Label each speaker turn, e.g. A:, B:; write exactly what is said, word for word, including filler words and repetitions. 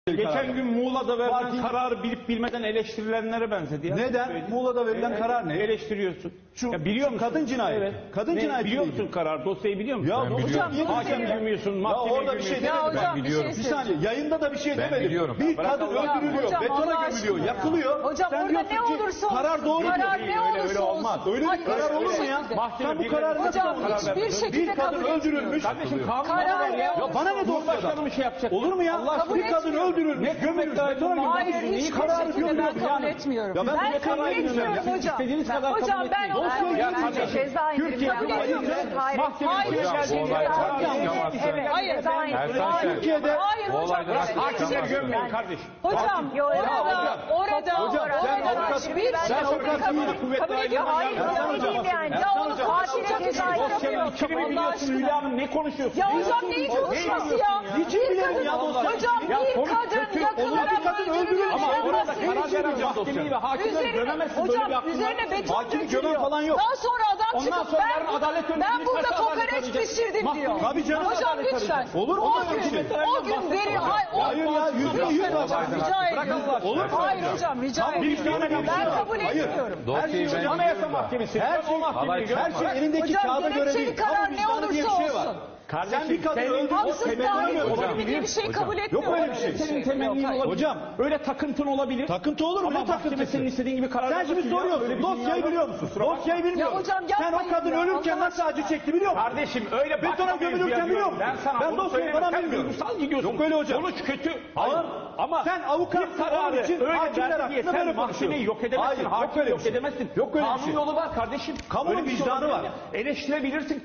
A: Geçen gün Muğla'da verilen
B: Parti...
A: kararı bilip bilmeden eleştirilenlere benzedi. Ya.
B: Neden? Muğla'da verilen
A: evet,
B: karar ne?
A: Eleştiriyorsun.
B: Şu,
A: ya biliyor
B: şu
A: musun?
B: kadın cinayeti.
A: Evet.
B: Kadın
A: ne,
B: cinayeti.
A: Biliyor musun karar? Dosyayı biliyor musun?
B: Ya
A: ben
B: hocam niye
A: hakem bilmiyorsun, mahkeme
B: orada bir şey
A: bilmiyorsun.
B: demedim.
C: Ben biliyorum.
B: Bir saniye yayında da bir şey
D: Ben
B: demedim.
D: biliyorum.
B: Bir
A: Bırak
B: kadın
A: Allah
B: öldürülüyor,
C: hocam,
B: betona
C: Allah
B: gömülüyor,
C: aşkına ya.
B: yakılıyor.
C: Hocam
B: Sen
C: orada
B: diyorsun
C: ne
B: ki,
C: olursa olsun.
B: karar doğru diyor.
C: Karar ne
A: Öyle-
C: olursa
A: öyle
C: olsun.
A: olmaz.
B: Öyle bir
C: Hayır,
B: karar olur mu ya?
C: şekilde.
A: Mahkeme
B: Sen bu
A: bir-
B: kararı nasıl
C: Hocam
B: karar
C: hiçbir
B: verdin?
C: şekilde
B: Bir kadın
C: kabul
B: öldürülmüş.
A: Kardeşim kanun
C: Karar
A: var
C: ne
A: ya.
C: olursa
B: Ya bana ne
A: Cumhurbaşkanı mı şey yapacak?
B: Olur mu ya?
A: Allah
C: Kabul
B: Bir kadın
C: etmiyorum.
B: öldürülmüş, gömülmüş, betona gömülmüş.
C: Hayır, hiçbir
B: Kararı
C: şekilde ben
B: gömülüyor.
C: kabul etmiyorum.
B: Ya ben
C: Ben
B: bu
C: kabul
B: kararı
C: etmiyorum
B: bilmiyorum.
C: hocam.
A: İstediğiniz kadar
C: Hocam
A: kabul
C: ben
A: etmeyin.
C: onu
B: Dosyayı
C: söylüyorum.
B: görmeyeceğim.
E: Ceza indirimi
A: Türkiye
C: kabul
E: yapılıyor.
C: ediyorum.
E: Hayır.
A: Mahkeme
C: Hayır.
A: bir
D: Hocam,
A: şey
D: bu
A: geldiğinde
D: olaydan
A: karar
D: çıkamazsın.
C: Evet. Hayır.
E: Ceza
C: Hayır.
E: indirimi.
D: Ertan Şen,
B: Türkiye'de
C: Hayır
D: bu
C: hocam.
D: olaydan
C: Hiçbir
D: çıkamazsın.
A: Hakimleri
C: şekilde.
A: gömmeyin kardeşim.
C: Hocam
E: Yo,
C: orada,
E: hocam.
C: orada,
B: Hocam,
C: orada,
B: sen
C: orada
B: avukat-
C: hiçbir
B: sen
C: şekilde
B: avukat
C: kabul-
B: değil,
A: kuvvetli
C: kabul ediyor.
A: ayrımına
C: Hayır,
A: gelmez.
C: ya
E: Ne diyeyim yani?
C: Ya onu
E: Katile
C: karşılayacak
E: ceza
C: ceza
A: Dosyanın
C: yapıyor.
A: içini
C: Allah
A: biliyorsun
C: aşkına.
A: Hülya Hanım, ne konuşuyorsun?
C: Ya
A: Ne
C: hocam neyin
A: diyorsun?
C: konuşması
A: Ne
C: ya?
A: diyorsun
B: Niçin
C: Bir
B: bilelim
C: kadın-
B: ya dosya?
C: Hocam
A: Ya
C: bir
A: konu
C: kadın
A: kötü.
C: yakılarak
B: Bir kadın öldürülüyor.
C: öldürülüyor.
A: Ama
C: Ya
A: orada
C: burası
A: karar
C: hiç
A: veren
C: yok.
A: mahkemeyi ve hakimleri
C: Üzerine-
A: gömemezsin. Böyle bir
C: Hocam
A: hakkın
C: üzerine
A: var.
C: beton
B: Hakimi
C: dökülüyor.
B: gömen falan yok.
C: Daha sonra adam
A: Ondan
C: çıkıp
A: sonra
C: ben,
A: yarın adalet önünde
C: ben
A: biz
C: burada
A: nasıl adalet
C: kokoreç
A: arayacağız?
C: pişirdim
A: Mahkeme-
C: diyor.
B: Tabii canım,
C: Hocam
A: adalet
C: lütfen.
A: arayacağız.
B: Olur mu
C: O
B: böyle bir
C: gün,
B: şey?
C: o gün veri... Hayır, o-
B: Hayır ya, yüzde yüz
C: Lütfen
B: var.
C: hocam, rica
A: Bırak
C: ediyorum.
A: Allah aşkına.
B: Olur mu?
C: Hayır hocam rica
B: Tamam,
C: ediyorum.
B: bir tane bir
C: Ben
B: şey var.
C: kabul
B: Hayır.
C: etmiyorum.
B: Her şey
D: Dosyayı ben
B: hocam.
A: Anayasa
D: biliyorum da.
A: Mahkemesi.
B: Her şey,
A: O mahkemeyi
D: Halay
B: her
D: çıkmaz.
B: şey elindeki
C: Hocam
B: kağıda göre
C: gerekçeli
B: değil.
C: karar
B: Ama
C: ne
B: vicdanı diye bir
C: olursa
B: şey var.
C: olsun.
B: Sen bir kadın
A: senin-
B: öldürdün.
C: Haksız
B: temelini
C: dahil
B: mi
C: hocam
B: hocam?
C: diye bir şey kabul etmiyorum.
B: Yok öyle bir şey.
A: Senin temennin
C: Yok, hayır.
A: olabilir.
B: Hocam.
A: Öyle takıntın olabilir.
B: Takıntı olur mu?
A: Ama
B: Ne takıntısı?
A: mahkeme senin istediğin gibi karar
B: Sen
A: vermez
B: şimdi
A: ki ya. Öyle
B: soruyorsun.
A: bir dünya
B: Dosyayı
A: yok.
B: biliyor musun?
A: Kusura bakma.
B: Dosyayı bilmiyorum.
C: Ya hocam
B: Sen o
C: yapmayın
B: kadın
C: ya,
B: ölürken
C: Allah
B: nasıl acı çekti biliyor musun?
A: Kardeşim öyle
B: Betona
A: bakmamayız
B: gömülürken
A: diye
B: biliyor
A: diyorum.
B: musun?
A: Ben sana
B: Ben
A: bunu
B: dosyayı
A: söyleyeyim.
B: falan
A: Sen
B: bilmiyorum.
A: duygusal gidiyorsun.
B: Yok öyle hocam.
A: Sonuç kötü.
B: Hayır.
A: Hayır. Ama
B: Sen avukat
A: bir kararı
B: için
A: öyle
B: hakimler
A: verdi diye
B: hakkında
A: sen
B: böyle
A: mahkemeyi
B: konuşuyorsun.
A: yok edemezsin.
B: Hayır, yok
A: Hakimi
B: öyle bir
A: yok
B: şey.
A: edemezsin.
B: Yok öyle bir
A: Kanun
B: şey.
A: yolu var kardeşim.
B: Kamunun
A: Öyle bir şey
B: vicdanı
A: olabilir
B: var.
A: mi? Eleştirebilirsin.